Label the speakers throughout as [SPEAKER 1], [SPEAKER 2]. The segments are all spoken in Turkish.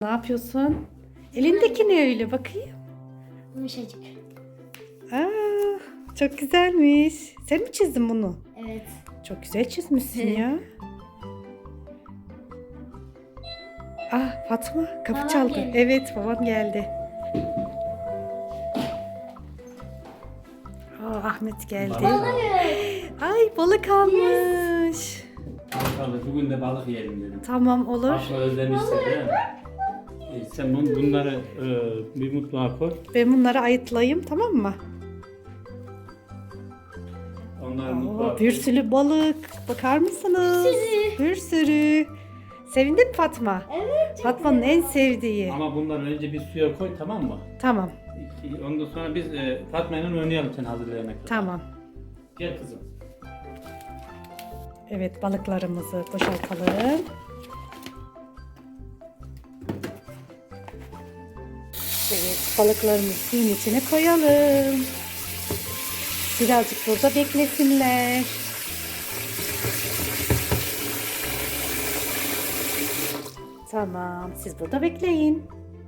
[SPEAKER 1] Ne yapıyorsun? Elindeki ne öyle bakayım?
[SPEAKER 2] Yumuşacık.
[SPEAKER 1] Aa, çok güzelmiş. Sen mi çizdin bunu?
[SPEAKER 2] Evet.
[SPEAKER 1] Çok güzel çizmişsin ya. Ah Fatma kapı
[SPEAKER 2] Babam
[SPEAKER 1] çaldı.
[SPEAKER 2] geldi.
[SPEAKER 1] Evet baban geldi. Aa, Ahmet geldi. Ay balık almış.
[SPEAKER 3] Balık, bugün de balık yiyelim dedim.
[SPEAKER 1] Tamam olur.
[SPEAKER 3] Fatma özlemişse de. Sen bunları bir mutfağa koy.
[SPEAKER 1] Ben bunları ayıtlayayım tamam mı?
[SPEAKER 3] Onları mutfağa
[SPEAKER 1] Oo,
[SPEAKER 3] koy.
[SPEAKER 1] bir sürü balık. Bakar mısınız? Bir sürü. Sevindin mi Fatma?
[SPEAKER 2] Evet.
[SPEAKER 1] Fatma'nın en sevdiği.
[SPEAKER 3] Ama bunları önce bir suya koy, tamam mı?
[SPEAKER 1] Tamam.
[SPEAKER 3] Ondan sonra biz Fatma ile oynayalım sen hazırlayana kadar.
[SPEAKER 1] Tamam.
[SPEAKER 3] Gel kızım.
[SPEAKER 1] Evet balıklarımızı boşaltalım. Evet balıklarımızı suyun içine koyalım. Birazcık burada beklesinler. Tamam siz burada bekleyin.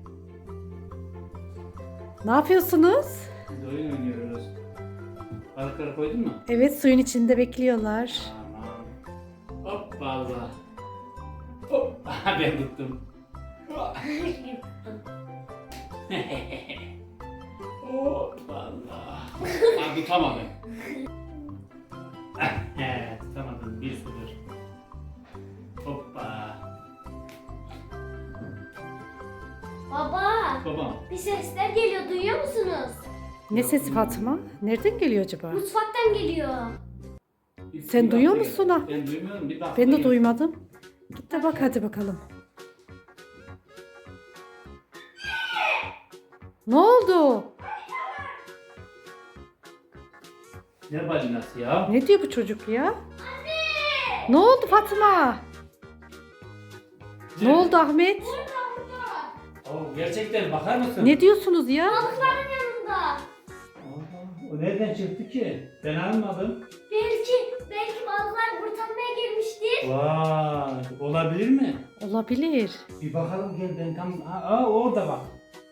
[SPEAKER 1] Ne yapıyorsunuz?
[SPEAKER 3] Biz oyun oynuyoruz. Balıkları koydun mu?
[SPEAKER 1] Evet suyun içinde bekliyorlar.
[SPEAKER 3] Tamam. Hop valla. Hop. Ben tuttum. Hop valla. Ben tutamadım. Tutamadım. 1-0. Hoppa.
[SPEAKER 2] Baba.
[SPEAKER 3] Babam.
[SPEAKER 2] Bir sesler geliyor. Duyuyor musunuz?
[SPEAKER 1] Ne sesi Fatma? Nereden geliyor acaba?
[SPEAKER 2] Mutfaktan geliyor.
[SPEAKER 1] Sen duyuyor musun ha?
[SPEAKER 3] Ben duymuyorum. Bir bak.
[SPEAKER 1] Ben de duymadım. Git de bak hadi bakalım. Ne oldu?
[SPEAKER 3] Ne balinası ya?
[SPEAKER 1] Ne diyor bu çocuk ya? Ne oldu Fatma? Ne oldu Ahmet?
[SPEAKER 3] Oo, gerçekten bakar mısın?
[SPEAKER 1] Ne diyorsunuz ya?
[SPEAKER 2] Balıkların yanında.
[SPEAKER 3] Aa, o nereden çıktı ki? Ben almadım.
[SPEAKER 2] Belki balıklar kurtarmaya gelmiştir.
[SPEAKER 3] Vay, olabilir mi?
[SPEAKER 1] Olabilir.
[SPEAKER 3] Bir bakalım gel ben tam... Orada bak.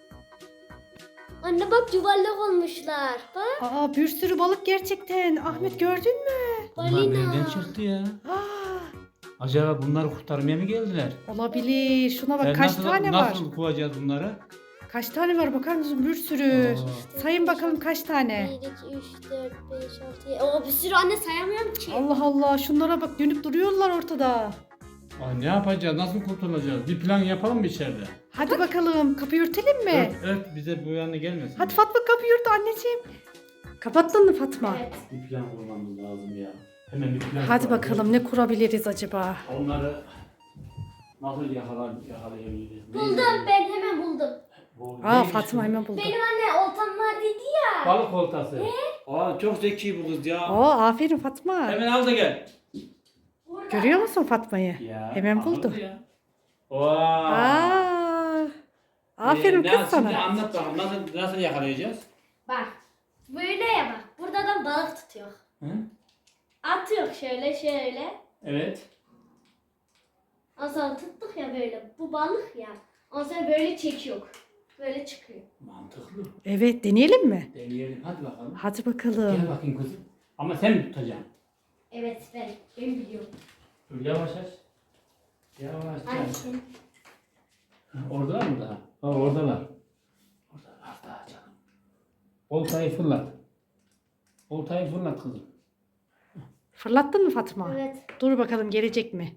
[SPEAKER 2] Anne bak yuvarlak olmuşlar. Bak.
[SPEAKER 1] Aa bir sürü balık gerçekten. Ahmet gördün mü?
[SPEAKER 3] Bunlar nereden
[SPEAKER 2] Balina.
[SPEAKER 3] çıktı ya?
[SPEAKER 1] Aa,
[SPEAKER 3] Acaba bunları kurtarmaya mı geldiler?
[SPEAKER 1] olabilir. Şuna bak kaç
[SPEAKER 3] nasıl,
[SPEAKER 1] tane var?
[SPEAKER 3] Nasıl kovacağız bunları?
[SPEAKER 1] Kaç tane var bakar mısın? Bir sürü.
[SPEAKER 3] Aa.
[SPEAKER 1] Sayın bakalım kaç tane.
[SPEAKER 2] 1, 2, 3, 4, 5, 6, 7. Oo bir sürü anne sayamıyorum ki.
[SPEAKER 1] Allah Allah şunlara bak dönüp duruyorlar ortada.
[SPEAKER 3] Ay, ne yapacağız? Nasıl kurtulacağız? Bir plan yapalım mı içeride?
[SPEAKER 1] Hadi bakalım kapıyı örtelim mi?
[SPEAKER 3] Ört bize bu yana gelmesin.
[SPEAKER 1] Hadi Fatma kapıyı ört anneciğim. Kapattın mı Fatma?
[SPEAKER 2] Evet.
[SPEAKER 3] Bir plan kurmamız lazım ya. Hemen bir plan
[SPEAKER 1] Hadi
[SPEAKER 3] kuralım.
[SPEAKER 1] bakalım ne kurabiliriz acaba?
[SPEAKER 3] Onları nasıl yakalayabiliriz?
[SPEAKER 2] Buldum ben hemen buldum.
[SPEAKER 1] Aa Fatma hemen buldu.
[SPEAKER 2] Benim anne oltam var dedi ya.
[SPEAKER 3] Balık oltası. Aa, çok zeki bu kız ya.
[SPEAKER 1] Oo aferin Fatma.
[SPEAKER 3] Hemen al da gel.
[SPEAKER 2] Burada.
[SPEAKER 1] Görüyor musun Fatma'yı?
[SPEAKER 3] Ya,
[SPEAKER 1] Hemen buldu.
[SPEAKER 3] akıllı ya. Vay.
[SPEAKER 1] Aa, aferin
[SPEAKER 3] Ne-
[SPEAKER 1] kız
[SPEAKER 3] Şimdi
[SPEAKER 1] sana.
[SPEAKER 3] anlat bakalım nasıl yakalayacağız?
[SPEAKER 2] Bak. Böyle ya bak. Buradan balık tutuyor.
[SPEAKER 3] Hı?
[SPEAKER 2] Atıyor şöyle.
[SPEAKER 3] Evet.
[SPEAKER 2] Ondan sonra tuttuk ya böyle. Bu balık ya. Ondan sonra böyle çekiyor. Böyle çıkıyor.
[SPEAKER 3] Mantıklı.
[SPEAKER 1] Evet deneyelim mi?
[SPEAKER 3] Deneyelim. Hadi bakalım.
[SPEAKER 1] Hadi bakalım.
[SPEAKER 3] Gel bakayım kızım. Ama sen mi tutacaksın?
[SPEAKER 2] Evet ben biliyorum.
[SPEAKER 3] Dur yavaş aç. Yavaş
[SPEAKER 2] Anne
[SPEAKER 3] aç.
[SPEAKER 2] sen.
[SPEAKER 3] Oradalar mı daha? Ha, oradalar. Oradalar daha canım. Oltayı fırlat. Oltayı fırlat kızım.
[SPEAKER 1] Fırlattın mı Fatma?
[SPEAKER 2] Evet.
[SPEAKER 1] Dur bakalım gelecek mi?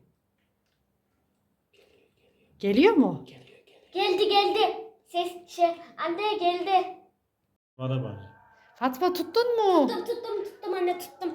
[SPEAKER 1] Geliyor mu?
[SPEAKER 2] Geldi. Ses anne geldi.
[SPEAKER 3] Bana bak.
[SPEAKER 1] Fatma tuttun mu?
[SPEAKER 2] Tuttum anne tuttum.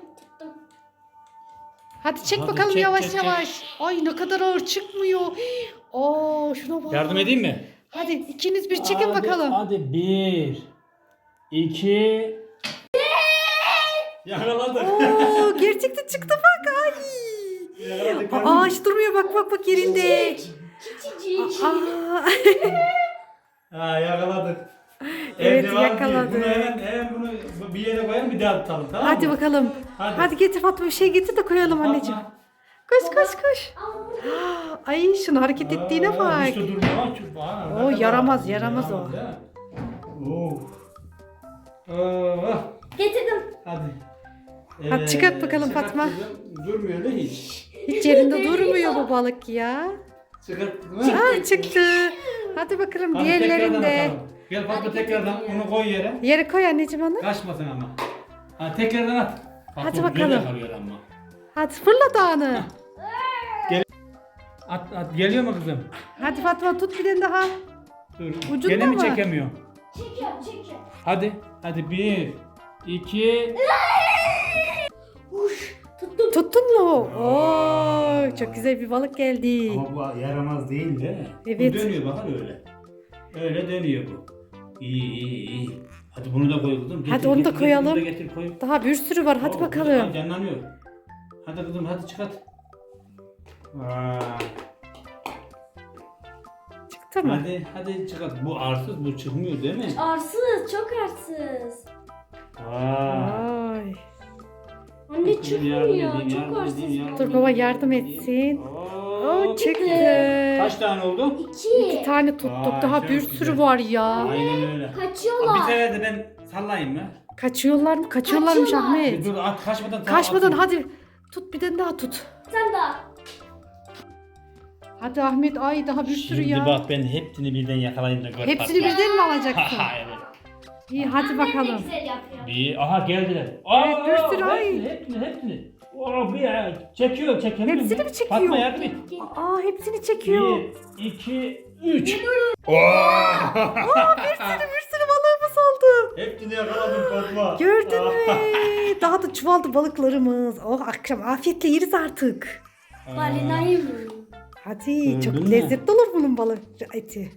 [SPEAKER 1] Hadi çek
[SPEAKER 3] Hadi
[SPEAKER 1] bakalım
[SPEAKER 3] çek,
[SPEAKER 1] yavaş
[SPEAKER 3] çek, çek.
[SPEAKER 1] yavaş. Ay ne kadar ağır çıkmıyor. Oo şuna bak.
[SPEAKER 3] Yardım edeyim mi?
[SPEAKER 1] Hadi ikiniz bir çekin
[SPEAKER 3] Hadi,
[SPEAKER 1] bakalım.
[SPEAKER 3] Hadi 1, 2. Yakaladık.
[SPEAKER 1] Oo gerçekten çıktı bak. Ay.
[SPEAKER 3] Yakaladık.
[SPEAKER 1] Aa hiç durmuyor bak yerinde.
[SPEAKER 2] Küçücük.
[SPEAKER 1] Aa.
[SPEAKER 3] Ha, yakaladık.
[SPEAKER 1] Evet,
[SPEAKER 3] devam değil.
[SPEAKER 1] yakaladık.
[SPEAKER 3] Bunu hemen bunu bir yere koyalım bir daha tutalım, tamam mı?
[SPEAKER 1] Hadi bakalım.
[SPEAKER 3] Hadi.
[SPEAKER 1] Hadi getir Fatma bir şey getir de koyalım anneciğim.
[SPEAKER 3] Fatma,
[SPEAKER 1] Koş koş koş.
[SPEAKER 2] Ama burada.
[SPEAKER 1] Ay şunu hareket ettiğine bak.
[SPEAKER 3] Hiç de durmuyor.
[SPEAKER 1] Oo, yaramaz o.
[SPEAKER 3] Of. Ah,
[SPEAKER 2] Getirdim.
[SPEAKER 3] hadi.
[SPEAKER 1] Hadi çıkart bakalım
[SPEAKER 3] çıkart
[SPEAKER 1] Fatma.
[SPEAKER 3] kızım. Durmuyor da hiç.
[SPEAKER 1] Hiç yerinde durmuyor bu balık ya.
[SPEAKER 3] Çıkart kızım.
[SPEAKER 1] Ha çıktı. Hadi bakalım
[SPEAKER 3] Hadi
[SPEAKER 1] diğerlerinde.
[SPEAKER 3] tekrardan atalım. Gel Fatma tekrardan onu koy yere.
[SPEAKER 1] Yere koy anneciğim onu.
[SPEAKER 3] Kaçmasın ama. Ha tekrardan at.
[SPEAKER 1] Hadi
[SPEAKER 3] Fatma güzel
[SPEAKER 1] bakalım.
[SPEAKER 3] yakalıyor ama.
[SPEAKER 1] Hadi fırla dağını.
[SPEAKER 3] At geliyor mu kızım?
[SPEAKER 1] Hadi Fatma tut bir tane daha.
[SPEAKER 3] Dur.
[SPEAKER 1] Ucunda
[SPEAKER 3] Gene mi
[SPEAKER 1] mı?
[SPEAKER 3] çekemiyor?
[SPEAKER 2] Çekiyorum.
[SPEAKER 3] Hadi 1 2
[SPEAKER 2] Tuttum.
[SPEAKER 1] Tuttun mu? Oo, çok güzel bir balık geldi.
[SPEAKER 3] Ama bu yaramaz değil de.
[SPEAKER 1] Evet.
[SPEAKER 3] Bu dönüyor bakın öyle. Öyle dönüyor bu. İyi. Hadi bunu da koy kızım.
[SPEAKER 1] Hadi onu da koyalım.
[SPEAKER 3] Bunu da getir koy.
[SPEAKER 1] Daha bir sürü var. Hadi
[SPEAKER 3] Oo,
[SPEAKER 1] bakalım.
[SPEAKER 3] Canlanıyor. Hadi kızım hadi çıkart. Vay.
[SPEAKER 1] Çıktı mı?
[SPEAKER 3] Hadi çıkart. Bu arsız bu çıkmıyor değil mi?
[SPEAKER 2] Arsız. Çok arsız.
[SPEAKER 3] Vay.
[SPEAKER 1] Ay.
[SPEAKER 2] Anne
[SPEAKER 3] Kızım,
[SPEAKER 2] çıkmıyor.
[SPEAKER 3] yardım edeyim,
[SPEAKER 2] Çok
[SPEAKER 3] yardım
[SPEAKER 2] arsız.
[SPEAKER 3] edeyim, yardım
[SPEAKER 1] Dur baba yardım etsin.
[SPEAKER 3] Oo,
[SPEAKER 1] Oo çıktı.
[SPEAKER 3] Kaç tane oldu?
[SPEAKER 1] İki tane tuttuk.
[SPEAKER 3] Vay,
[SPEAKER 1] Daha
[SPEAKER 3] çok
[SPEAKER 1] bir
[SPEAKER 3] güzel.
[SPEAKER 1] sürü var ya.
[SPEAKER 3] Aynen öyle. Bir
[SPEAKER 2] Kaçıyorlar.
[SPEAKER 3] sefer de ben sallayayım mı?
[SPEAKER 1] Kaçıyorlar mı? Kaçıyorlarmış
[SPEAKER 2] Kaçıyorlar.
[SPEAKER 1] Ahmet.
[SPEAKER 3] Dur at kaçmadan
[SPEAKER 1] Kaçmadan
[SPEAKER 3] at.
[SPEAKER 1] hadi. Tut bir tane daha tut.
[SPEAKER 2] Sen daha.
[SPEAKER 1] Hadi Ahmet ay daha bir sürü
[SPEAKER 3] Şimdi
[SPEAKER 1] ya.
[SPEAKER 3] bak ben hepsini birden yakalayayım da gör.
[SPEAKER 1] Hepsini
[SPEAKER 3] Fatma.
[SPEAKER 1] birden mi alacaksın?
[SPEAKER 3] Ha, evet.
[SPEAKER 1] İyi hadi
[SPEAKER 2] Annem
[SPEAKER 1] bakalım.
[SPEAKER 2] de güzel yapıyor.
[SPEAKER 3] Aha geldiler.
[SPEAKER 1] Evet, bir sürü, ay.
[SPEAKER 3] Hepsini. Oo, çekiyor. Çekemiyor.
[SPEAKER 1] Hepsini mi çekiyor?
[SPEAKER 3] Fatma yardım et.
[SPEAKER 1] Aa hepsini çekiyor.
[SPEAKER 3] 1 2 3.
[SPEAKER 1] Bir sürü balığımız oldu.
[SPEAKER 3] Hepsini yakaladım Fatma.
[SPEAKER 1] Gördün mü? Daha da çoğaldı balıklarımız. Oh akşam afiyetle yeriz artık.
[SPEAKER 2] Balinayı mı?
[SPEAKER 1] Hadi
[SPEAKER 3] Gördün
[SPEAKER 1] çok
[SPEAKER 3] mü?
[SPEAKER 1] lezzetli olur bunun balık eti.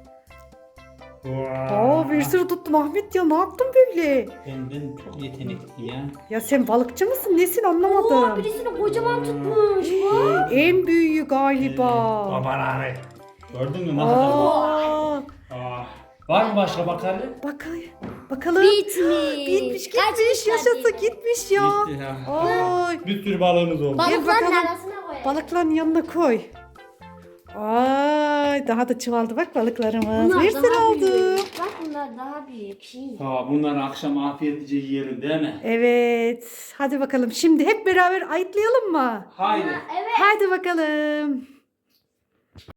[SPEAKER 1] Oo bir sürü tuttum Ahmet ya ne yaptın böyle?
[SPEAKER 3] Ben çok yetenekliyim ya.
[SPEAKER 1] Ya sen balıkçı mısın? Nesin
[SPEAKER 2] Oo,
[SPEAKER 1] anlamadım.
[SPEAKER 2] birisini kocaman tutmuş. Bak.
[SPEAKER 1] En büyüğü galiba.
[SPEAKER 3] Babaları. Gördün mü ne kadar?
[SPEAKER 1] Aa,
[SPEAKER 3] Var mı başka bakarlı?
[SPEAKER 1] bakalım.
[SPEAKER 2] Bitmiş.
[SPEAKER 1] Bitmiş gitmiş yaşasın gitmiş ya.
[SPEAKER 3] Gitti ha.
[SPEAKER 1] Ay.
[SPEAKER 3] Bir sürü balığımız oldu.
[SPEAKER 1] Gel
[SPEAKER 2] Balıkların
[SPEAKER 1] bakalım.
[SPEAKER 2] arasına koyalım.
[SPEAKER 1] Balıkların yanına koy. Ay daha da çoğaldı bak balıklarımız.
[SPEAKER 2] Bunlar
[SPEAKER 1] Bir sürü
[SPEAKER 2] daha
[SPEAKER 1] oldu.
[SPEAKER 2] büyük. Bak bunlar daha büyük.
[SPEAKER 3] Bunları akşam afiyetlice yiyelim değil mi?
[SPEAKER 1] Evet. Hadi bakalım şimdi hep beraber ayıtlayalım mı?
[SPEAKER 3] Haydi.
[SPEAKER 2] Evet.
[SPEAKER 1] Hadi bakalım.